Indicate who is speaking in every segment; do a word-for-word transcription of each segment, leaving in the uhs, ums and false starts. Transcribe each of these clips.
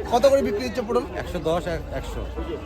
Speaker 1: কত করে বিক্রি হচ্ছে পটল?
Speaker 2: একশো দশ একশো।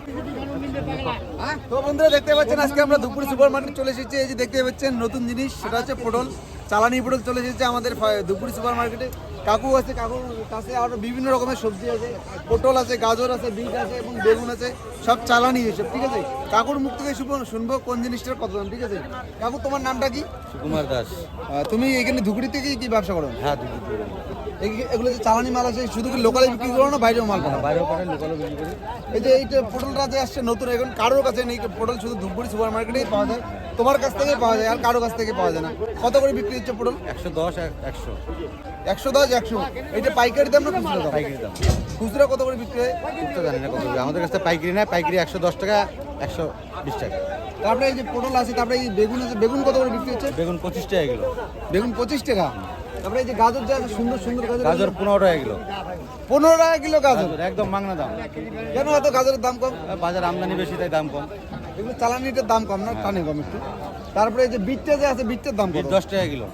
Speaker 1: তো বন্ধুরা দেখতে পাচ্ছেন আজকে আমরা দুপুর সুপার মার্কেট চলে এসেছি। এই যে দেখতে পাচ্ছেন নতুন জিনিস, সেটা হচ্ছে পটল। চালানি পটল চলে এসেছে আমাদের দুপুর সুপার মার্কেটে। কাকু আছে, কাকুর কাছে আরো বিভিন্ন রকমের সবজি আছে, পটল আছে, গাজর আছে, বিট আছে এবং বেগুন আছে, সব চালানি এসব। ঠিক আছে, কাকুর মুখ থেকে শুনবো শুনবো কোন জিনিসটার কত দাম। ঠিক আছে কাকু, তোমার নামটা কি?
Speaker 2: সুকুমার দাস।
Speaker 1: আহ, তুমি এখানে ধুকড়ি থেকে কি ব্যবসা করো?
Speaker 2: হ্যাঁ, দুপুর
Speaker 1: এই- এগুলো যে চালানি মাল আছে শুধু কি লোকালে বিক্রি করো না বাইরেও মাল পাঠাও?
Speaker 2: বাইরেও পাঠান, লোকালও বিক্রি করি।
Speaker 1: এই যে এইটা পটলটা যে আসছে নতুন, এখন কারোর কাছে নেই পটল, শুধু ধূপগুড়ি সুপার মার্কেটেই পাওয়া যায়। তোমার কাছ থেকে পাওয়া যায়, আর কারোর কাছ থেকে পাওয়া যায় না। কত করে বিক্রি হচ্ছে পটল?
Speaker 2: একশো দশ একশো।
Speaker 1: একশো দশ একশো। এইটা পাইকারি দাম না খুচরা দাম?
Speaker 2: পাইকারি দাম।
Speaker 1: খুচরা কত করে বিক্রি হয়?
Speaker 2: খুচরা জানি না কত করে। আমাদের কাছে পাইকারি নেয়, পাইকারি একশো দশ টাকা, একশো বিশ টাকা।
Speaker 1: তারপরে এই যে পটল আছে, তারপরে এই বেগুন আছে, বেগুন কত করে বিক্রি হচ্ছে?
Speaker 2: বেগুন পঁচিশ টাকা কিলো।
Speaker 1: বেগুন পঁচিশ টাকা। তারপরে এই যে গাজর যে আছে, সুন্দর সুন্দর গাজর,
Speaker 2: গাজর পনেরো টাকা কিলো।
Speaker 1: পনেরো টাকা কিলো গাজর।
Speaker 2: গাজর একদম মাংনা দাম।
Speaker 1: কেন এত গাজরের দাম কম?
Speaker 2: বাজার আমদানি বেশি, তাই দাম কম।
Speaker 1: এগুলো চালানিটার দাম কম না, টানে কম একটু। তারপরে এই যে বিটটা যে আছে, বিটটার দাম কত?
Speaker 2: দশ টাকা কিলো।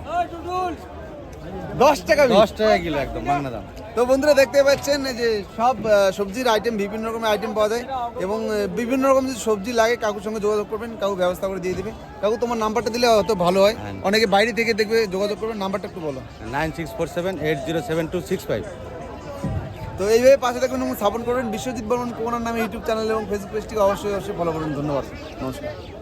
Speaker 1: দশ টাকা বিট।
Speaker 2: দশ টাকা কিলো একদম মাংনা দাম।
Speaker 1: তো বন্ধুরা দেখতে পাচ্ছেন এই যে সব আহ, সবজির আইটেম, বিভিন্ন রকমের আইটেম পাওয়া যায় এবং আহ, বিভিন্ন রকম যদি সবজি লাগে কাকুর সঙ্গে যোগাযোগ করবেন, কাকু ব্যবস্থা করে দিয়ে দেবে। কাকু তোমার নাম্বারটা দিলে অত ভালো হয়, অনেকে বাইরে থেকে দেখবে, যোগাযোগ করবেন। নাম্বারটা একটু বলো।
Speaker 2: Nine six four seven eight zero seven two six five.
Speaker 1: তো এইভাবে পাশে থাকবেন এবং সাপোর্ট করবেন। বিশ্বজিৎ বর্মন কোনার নামে ইউটিউব চ্যানেল এবং ফেসবুক পেজটিকে অবশ্যই অবশ্যই ফলো করুন। ধন্যবাদ, নমস্কার।